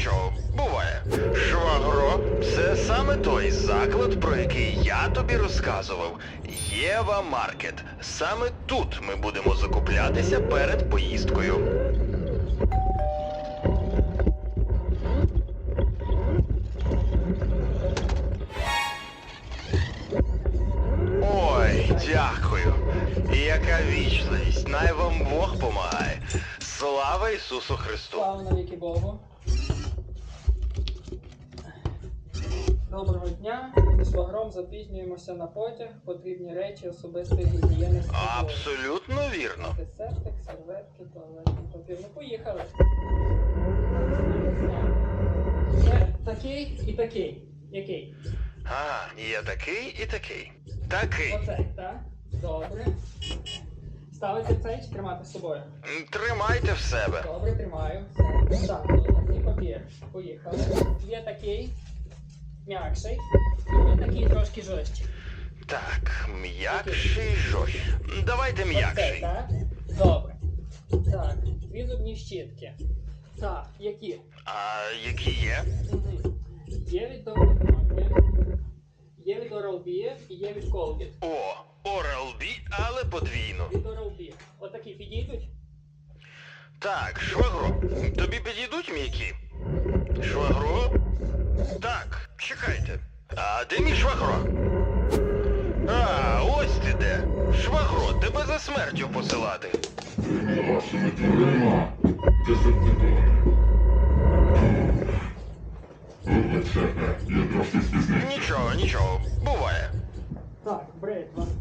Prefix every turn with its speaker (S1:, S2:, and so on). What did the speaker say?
S1: нічого, буває. Швагро, це саме той заклад, про який я тобі розказував. Єва Маркет. Саме тут ми будемо закуплятися перед поїздкою. Ой, дякую. І яка вічливість. Най вам Бог помагає. Слава Ісусу Христу.
S2: Слава навіки Богу. Доброго дня. Зі швагром запізнюємося на потяг. Потрібні речі особистої гігієни з собою.
S1: Абсолютно вірно.
S2: Антисептик, серветки, туалетний папір. Ну, поїхали. Це такий і такий. Який?
S1: Є такий і такий. Такий.
S2: Оцей, так? Добре. Ставити цей чи тримати з собою?
S1: Тримайте в себе.
S2: Добре, тримаю. Все. Так, туалетний папір. Поїхали. Є такий м'якший, є такий трошки жорсткий.
S1: Так, м'якший, жорсткий. Давайте
S2: Оцей,
S1: м'якший.
S2: так? Добре. Так, дві зубні щітки. Так, які?
S1: А які є?
S2: Угу. Є від Є від Oral-B і є від Colgate.
S1: О, Oral-B, але подвійно.
S2: Від Oral-B. Отакі підійдуть?
S1: Так, швагро, тобі підійдуть м'які? Швагро? Так, чекайте. А де мій швагро? Ось ти де. Швагро, тебе за смертю посилати.
S3: Вашими дверима, дезертидори. Вибачте, я трошки спізнився.
S1: Нічого, буває.
S2: Так, бритва.